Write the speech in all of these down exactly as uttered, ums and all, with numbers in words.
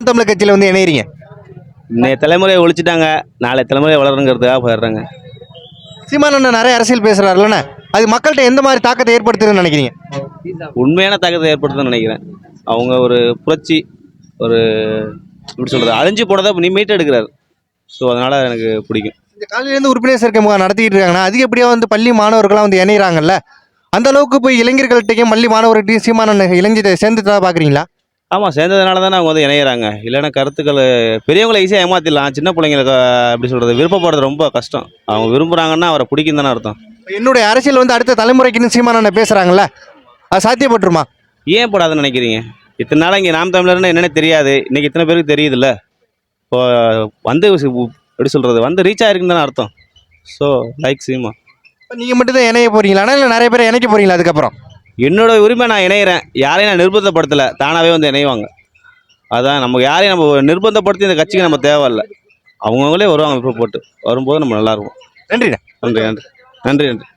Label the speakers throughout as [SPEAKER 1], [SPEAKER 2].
[SPEAKER 1] தமிழர் கட்சியில் வந்து இணையறீங்க?
[SPEAKER 2] இன்னைய தலைமுறையை ஒழிச்சிட்டாங்க, நாளை தலைமுறை வளருங்கிறதுக்காக போயிடுறாங்க.
[SPEAKER 1] சீமானண்ணன் நிறைய அரசியல் பேசுறாருல்லண்ணே, அது மக்கள்கிட்ட எந்த மாதிரி தாக்கத்தை ஏற்படுத்துதுன்னு நினைக்கிறீங்க?
[SPEAKER 2] உண்மையான தாக்கத்தை ஏற்படுத்துன்னு நினைக்கிறேன். அவங்க ஒரு புரட்சி, ஒரு எப்படி சொல்கிறது, அழிஞ்சு போனதை நீ மீட்டு எடுக்கிறார். ஸோ அதனால் எனக்கு பிடிக்கும்.
[SPEAKER 1] இந்த காலையிலேருந்து உறுப்பினர் சேர்க்கை முகாம் நடத்திக்கிட்டு இருக்காங்கன்னா அதிகப்படியாக வந்து பள்ளி மாணவர்கள்லாம் வந்து இணைகிறாங்கல்ல, அந்த அளவுக்கு போய் இளைஞர்கள்ட்டையும் பள்ளி மாணவர்கிட்டையும் சீமானண்ணன் இளைஞரை சேர்ந்துட்டா பார்க்குறீங்களா?
[SPEAKER 2] ஆமாம், சேர்ந்ததுனால தானே அவங்க வந்து இணையிறாங்க. இல்லைன்னா கருத்துக்கள் பெரியவங்களை ஈஸியாக ஏமாற்றிடலாம், சின்ன பிள்ளைங்களுக்கு எப்படி சொல்கிறது விருப்பப்படுறது ரொம்ப கஷ்டம். அவங்க விரும்புகிறாங்கன்னா அவரை பிடிக்கும் தானே அர்த்தம்.
[SPEAKER 1] என்னுடைய அரசியல் வந்து அடுத்த தலைமுறைக்குன்னு சீமானண்ணன் பேசுகிறாங்கல்ல, அது சாத்தியப்பட்டுருமா?
[SPEAKER 2] ஏன் போடாதுன்னு நினைக்கிறீங்க? இத்தனை நாள் இங்கே நாம் தமிழர்னு என்னென்ன தெரியாது, இன்றைக்கி இத்தனை பேருக்கு தெரியுதுல்ல. இப்போ வந்து எப்படி சொல்கிறது வந்து ரீச் ஆகிருக்குன்னு தானே அர்த்தம். So like Seema.
[SPEAKER 1] இப்போ நீங்கள் மட்டும் தான் இணைய போகிறீங்களாண்ணா, இல்லை நிறைய பேர் இணைக்க போகிறீங்களா? அதுக்கப்புறம்
[SPEAKER 2] என்னோட உரிமை, நான் இணையிறேன். யாரையும் நான் நிர்பந்தப்படுத்தலை, தானாகவே வந்து இணைவாங்க. அதான் நமக்கு யாரையும் நம்ம நிர்பந்தப்படுத்தி இந்த கட்சிக்கு நம்ம தேவையில்லை. அவங்கவுங்களே வருவாங்க விருப்பப்பட்டு, வரும்போது நம்ம நல்லாயிருக்கும்.
[SPEAKER 1] நன்றிண்ணே.
[SPEAKER 2] நன்றி நன்றி நன்றி நன்றி.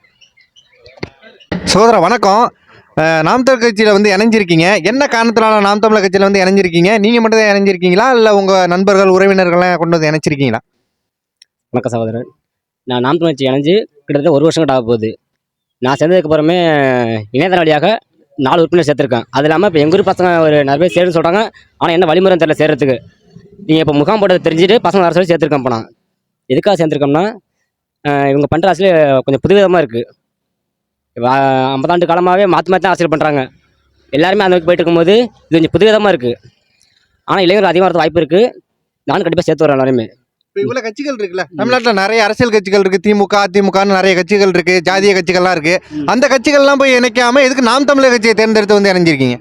[SPEAKER 1] சகோதரா வணக்கம். நாம் தமிழர் கட்சியில் வந்து இணைஞ்சிருக்கீங்க, என்ன காரணத்தினால நாம் தமிழர் கட்சியில் வந்து இணைஞ்சிருக்கீங்க? நீங்கள் மட்டும் தான் இணைஞ்சிருக்கீங்களா, இல்லை உங்கள் நண்பர்கள் உறவினர்கள்லாம் கொண்டு வந்து இணைச்சிருக்கீங்களா?
[SPEAKER 3] வணக்கம் சகோதரன். நான் நாம் தமிழர் கட்சி இணைஞ்சு கிட்டத்தட்ட ஒரு வருஷம் கிட்ட ஆக போகுது. நான் சேர்ந்ததுக்கப்புறமே இணையதள வழியாக நாலு உறுப்பினர் சேர்த்துருக்கேன். அது இல்லாமல் இப்போ எங்கள் ஊர் பசங்க ஒரு நிறைய பேர் சேருன்னு சொல்கிறாங்க. ஆனால் என்ன வழிமுறை தெரியல சேர்கிறதுக்கு. நீங்கள் இப்போ முகாம் போட்டதை தெரிஞ்சுட்டு பசங்க வர சொல்லி சேர்த்துருக்கேன். இப்போ நான் எதுக்காக சேர்ந்துருக்கோம்னா, இவங்க பண்ணுற அரசியல் கொஞ்சம் புதுவிதமாக இருக்குது. ஐம்பதாண்டு காலமாகவே மாற்றி மாற்றி தான் அரசியல் பண்ணுறாங்க. எல்லாருமே அந்த போயிட்டு இருக்கும்போது இது கொஞ்சம் புதுவிதமாக இருக்குது. ஆனால் இளைஞர்கள் அதிகமாக வரது வாய்ப்பு இருக்குது. நானும் கண்டிப்பாக சேர்த்து வரேன் எல்லாருமே.
[SPEAKER 1] இப்போ இவ்வளோ கட்சிகள் இருக்குல்ல தமிழ்நாட்டில், நிறைய அரசியல் கட்சிகள் இருக்குது, திமுக அதிமுகன்னு நிறைய கட்சிகள் இருக்குது, ஜாதிய கட்சிகள்லாம் இருக்குது. அந்த கட்சிகள்லாம் போய் இணைக்காமல் எதுக்கு நாம் தமிழர் கட்சியை தேர்ந்தெடுத்து வந்து இணைஞ்சிருக்கீங்க?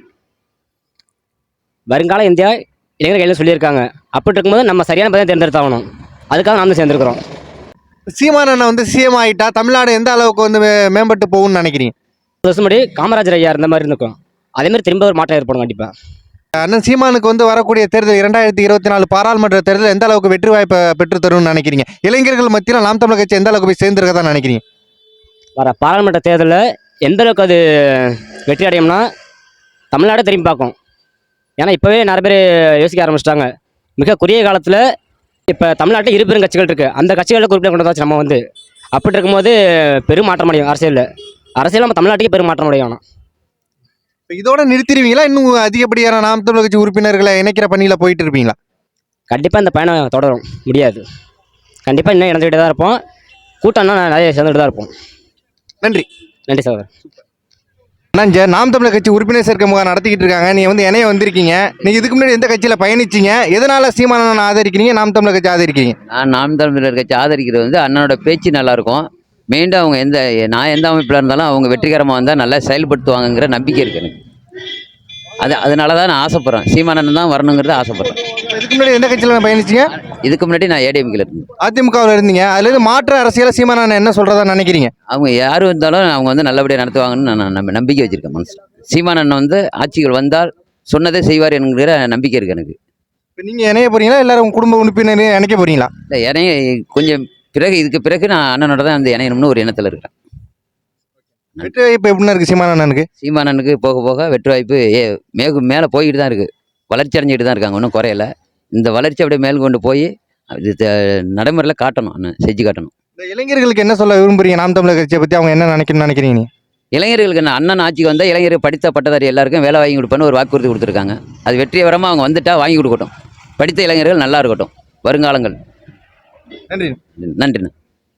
[SPEAKER 3] வருங்கால இந்தியா இளைஞர்கள் எல்லாம் சொல்லியிருக்காங்க. அப்படி இருக்கும்போது நம்ம சரியான பதிலை தேர்ந்தெடுத்தாகணும். அதுக்காக நாம் தான் சேர்ந்துருக்கிறோம்.
[SPEAKER 1] சீமானண்ணன் வந்து சிஎம் ஆகிட்டா தமிழ்நாடு எந்த அளவுக்கு வந்து மேம்பட்டு போகும்னு நினைக்கிறீங்க?
[SPEAKER 3] ஒரு வருஷம் முன்னாடி காமராஜர் ஐயா இருந்த மாதிரி இருக்கும், அதேமாதிரி திரும்ப ஒரு மாற்றம் ஏற்படும் கண்டிப்பாக.
[SPEAKER 1] அண்ணன் சீமானுக்கு வந்து வரக்கூடிய தேர்தல் இரண்டாயிரத்தி இருபத்தி நாலு பாராளுமன்ற தேர்தல் எந்த அளவுக்கு வெற்றி வாய்ப்பை பெற்று தரும்னு நினைக்கிறீங்க? இளைஞர்கள் மத்தியில் நாம் தமிழர் கட்சி எந்த அளவுக்கு போய் சேர்ந்துருக்கதான் நினைக்கிறீங்க?
[SPEAKER 3] வர பாராளுமன்ற தேர்தலில் எந்த அளவுக்கு அது வெற்றி அடையும்னா தமிழ்நாடு திரும்பி பார்க்கும். ஏன்னா இப்போவே நிறைய பேர் யோசிக்க ஆரம்பிச்சிட்டாங்க. மிக குறுகிய காலத்தில் இப்போ தமிழ்நாட்டில் இரு பெரும் கட்சிகள் இருக்குது. அந்த கட்சிகளில் குறிப்பிட்ட கொண்டு வந்தாச்சு நம்ம வந்து. அப்படி இருக்கும்போது பெரும் மாற்றம் அடையும் அரசியலில். அரசியல் நம்ம தமிழ்நாட்டுக்கே பெரும் மாற்றம் அடையும்.
[SPEAKER 1] இதோட நிறுத்திடுவீங்களா, இன்னும் அதிகப்படியான நாம் தமிழர் கட்சி உறுப்பினர்களை இணைக்கிற பணியில் போயிட்டு இருப்பீங்களா?
[SPEAKER 3] கண்டிப்பாக இந்த பயணம் தொடரும் முடியாது. கண்டிப்பாக இன்னும் இணைஞ்சுக்கிட்டே தான் இருப்போம். கூட்டம்னா நிறைய சேர்ந்துட்டு தான் இருப்போம்.
[SPEAKER 1] நன்றி.
[SPEAKER 3] நன்றி சார்.
[SPEAKER 1] அண்ணா, நாம் தமிழர் கட்சி உறுப்பினர் சேர்க்கை முகாம் நடத்திக்கிட்டு இருக்காங்க, நீங்கள் வந்து இணைய வந்திருக்கீங்க. நீங்கள் இதுக்கு முன்னாடி எந்த கட்சியில் பயணிச்சிங்க? எதனால் சீமானண்ணன் ஆதரிக்கிறீங்க, நாம் தமிழர் கட்சி ஆதரிக்கிறீங்க?
[SPEAKER 4] நான் நாம் தமிழர் கட்சி ஆதரிக்கிறது வந்து அண்ணனோட பேச்சு நல்லாயிருக்கும். மீண்டும் அவங்க எந்த நான் எந்த அமைப்பில் இருந்தாலும் அவங்க வெற்றிகரமாக வந்தால் நல்லா செயல்படுத்துவாங்கங்கிற நம்பிக்கை இருக்குது எனக்கு. அது அதனால தான் நான் ஆசைப்பட்றேன், சீமானண்ணன் தான் வரணுங்கிறது ஆசைப்பட்றேன்.
[SPEAKER 1] இதுக்கு முன்னாடி எந்த கட்சியில் பயணிச்சிங்க?
[SPEAKER 4] இதுக்கு முன்னாடி நான் ஏடிஎம்கில் இருந்தேன்.
[SPEAKER 1] அதிமுகவில் இருந்தீங்க. அதுலேருந்து மாற்று அரசியலை சீமானண்ணன் என்ன சொல்கிறதா நினைக்கிறீங்க?
[SPEAKER 4] அவங்க யார் இருந்தாலும் அவங்க வந்து நல்லபடியாக நடத்துவாங்கன்னு நான் நம்ம நம்பிக்கை வச்சுருக்கேன் மனசில். சீமானண்ணன் வந்து ஆட்சிகள் வந்தால் சொன்னதே செய்வார் என்கிற நம்பிக்கை இருக்குது எனக்கு.
[SPEAKER 1] இப்போ நீங்கள் இணைய போகிறீங்களா, எல்லாரும் குடும்ப உறுப்பினர் இணைக்க போகிறீங்களா?
[SPEAKER 4] இல்லை, இணைய கொஞ்சம் பிறகு இதுக்கு பிறகு நான் அண்ணனோட தான் அந்த இணையணும்னு ஒரு எண்ணத்தில் இருக்கிறேன்.
[SPEAKER 1] வெற்றி வாய்ப்பு எப்படின்னா இருக்குது சீமானண்ணனுக்கு?
[SPEAKER 4] சீமானனுக்கு போக போக வெற்றி வாய்ப்பு ஏ மேகு மேலே போய்கிட்டு தான் இருக்குது. வளர்ச்சி அடைஞ்சிக்கிட்டு தான் இருக்காங்க, ஒன்றும் குறையல. இந்த வளர்ச்சி அப்படியே மேல் கொண்டு போய் இது நடைமுறையில் காட்டணும், அண்ணன் செஞ்சு காட்டணும்.
[SPEAKER 1] இந்த இளைஞர்களுக்கு என்ன சொல்ல விரும்புறீங்க நாம் தமிழர் கட்சியை பற்றி? அவங்க என்ன நினைக்கணும்னு நினைக்கிறீங்க?
[SPEAKER 4] இளைஞர்களுக்கு என்ன, அண்ணன் ஆட்சிக்கு வந்தால் இளைஞர்கள் படித்த பட்டதாரி எல்லாருக்கும் வேலை வாங்கி கொடுப்பேன்னு ஒரு வாக்குறுதி கொடுத்துருக்காங்க. அது வெற்றிகரமாக அவங்க வந்துட்டா வாங்கி கொடுக்கட்டும். படித்த இளைஞர்கள் நல்லா இருக்கட்டும் வருங்காலங்கள்.
[SPEAKER 1] நன்றி.
[SPEAKER 4] நன்றிண்ணா.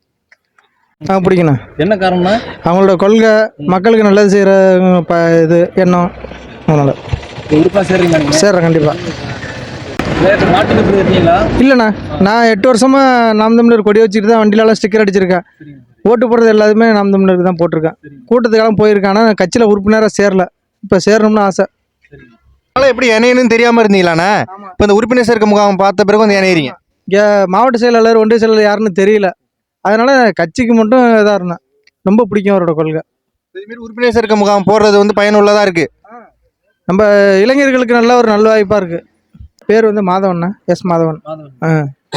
[SPEAKER 5] ஆ பிடிக்கண்ணா.
[SPEAKER 6] என்ன காரணம்னா
[SPEAKER 5] அவங்களோட கொள்கை, மக்களுக்கு நல்லது செய்கிற ப இது எண்ணம். அதனால்
[SPEAKER 6] உறுப்பாக சேர்றீங்க?
[SPEAKER 5] சேர்றேன் கண்டிப்பாக.
[SPEAKER 6] மாட்டுக்கு இருக்கீங்களா?
[SPEAKER 5] இல்லைண்ணா, நான் எட்டு வருஷமாக நாம் தமிழர் கொடி வச்சுட்டு தான் வண்டியிலலாம் ஸ்டிக்கர் அடிச்சிருக்கேன். ஓட்டு போடுறது எல்லாத்துமே நாம் தமிழருக்கு தான் போட்டிருக்கேன். கூட்டத்துக்கெல்லாம் போயிருக்கேன், ஆனால் கட்சியில் உறுப்பினராக சேரல. இப்போ சேரணும்னு ஆசை.
[SPEAKER 1] அதனால் எப்படி இணையணும்னு தெரியாமல் இருந்தீங்களாண்ணா? இப்போ இந்த உறுப்பினர் சேர்க்கை முகாம் பார்த்த பிறகு வந்து இணையிறீங்க.
[SPEAKER 5] இங்கே மாவட்ட செயலாளர் ஒன்றிய செயலாளர் யாருன்னு தெரியல, அதனால் கட்சிக்கு மட்டும் இதாக இருந்தேன். ரொம்ப பிடிக்கும் அவரோட கொள்கை.
[SPEAKER 1] இதுமாரி உறுப்பினர் சேர்க்கை முகாம் போடுறது வந்து பயனுள்ளதாக இருக்குது.
[SPEAKER 5] நம்ம இளைஞர்களுக்கு நல்ல ஒரு நல்ல வாய்ப்பாக இருக்குது. பேர் வந்து மாதவண்ணா, எஸ் மாதவன். ஆ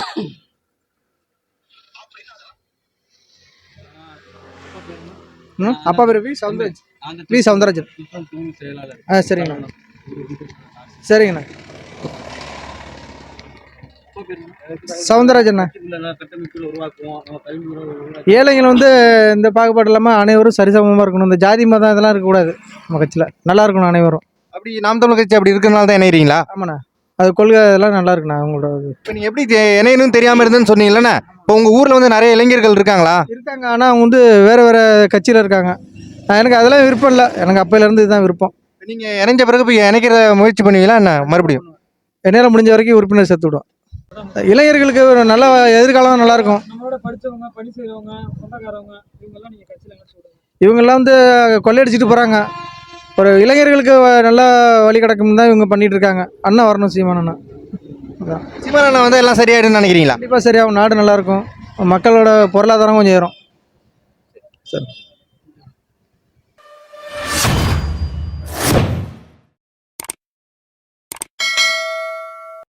[SPEAKER 5] ம் அப்பா பேர் வி சவுந்தரராஜ். வி சவுந்தரராஜன். ஆ சரிங்கண்ணா. சரிங்கண்ணா.
[SPEAKER 6] உங்க பேர்
[SPEAKER 5] சவுந்தரராஜ் அண்ணா.
[SPEAKER 6] கட்டமைப்புகள் உருவாக்குவோம் நம்ம கல்வி உருவாக்குவோம்.
[SPEAKER 5] ஏழைகள் வந்து இந்த பாகுபாடு இல்லாமல் அனைவரும் சரிசமமாக இருக்கணும். இந்த ஜாதி மதம் இதெல்லாம் இருக்கக்கூடாது. நம்ம கட்சியில் நல்லா இருக்கணும் அனைவரும்.
[SPEAKER 1] அப்படி நாம் தமிழர் கட்சி அப்படி இருக்கிறனால தான் இணைகிறீங்களா?
[SPEAKER 5] ஆமாண்ணா, அது கொள்கை இதெல்லாம் நல்லா இருக்குண்ணா அவங்களோட இது.
[SPEAKER 1] இப்போ நீங்கள் எப்படி தெ- இணையணும்னு தெரியாமல் இருந்துன்னு சொன்னீங்களே, இப்போ உங்கள் ஊரில் வந்து நிறைய இளைஞர்கள் இருக்காங்களா?
[SPEAKER 5] இருக்காங்க, ஆனால் அவங்க வந்து வேறு வேறு கட்சியில் இருக்காங்க. நான் எனக்கு அதெல்லாம் விருப்பம் இல்லை. எனக்கு அப்பையிலேருந்து இதுதான் விருப்பம்.
[SPEAKER 1] நீங்கள் இணைஞ்ச பிறகு இப்போ இணைக்கிற முயற்சி பண்ணுவீங்களா என்ன மறுபடியும்?
[SPEAKER 5] என்னால் முடிஞ்ச வரைக்கும் உறுப்பினர் சேர்த்து விடுவோம். இளைஞர்களுக்கு ஒரு நல்ல எதிர்காலம் நல்லா இருக்கும்.
[SPEAKER 6] நம்மளோட படிச்சவங்க பணி செய்யறவங்க சொந்தக்காரவங்க இவங்கெல்லாம் நீங்க கட்சியில என்ன சொல்றீங்க?
[SPEAKER 5] இவங்கெல்லாம் வந்து கொள்ளையடிச்சிட்டு போகிறாங்க. ஒரு இளைஞர்களுக்கு வ- நல்ல வழி கிடக்கும் தான் இவங்க பண்ணிட்டு இருக்காங்க. அண்ணன் வரணும், சீமான் அண்ணா. அதான்
[SPEAKER 1] சீமானண்ணா வந்து எல்லாம் சரியாயிடும்னு நினைக்கிறீங்களா?
[SPEAKER 5] கண்டிப்பாக சரியாகும். நாடு நல்லா இருக்கும். மக்களோட பொருளாதாரம் கொஞ்சம் ஏறும். சரி.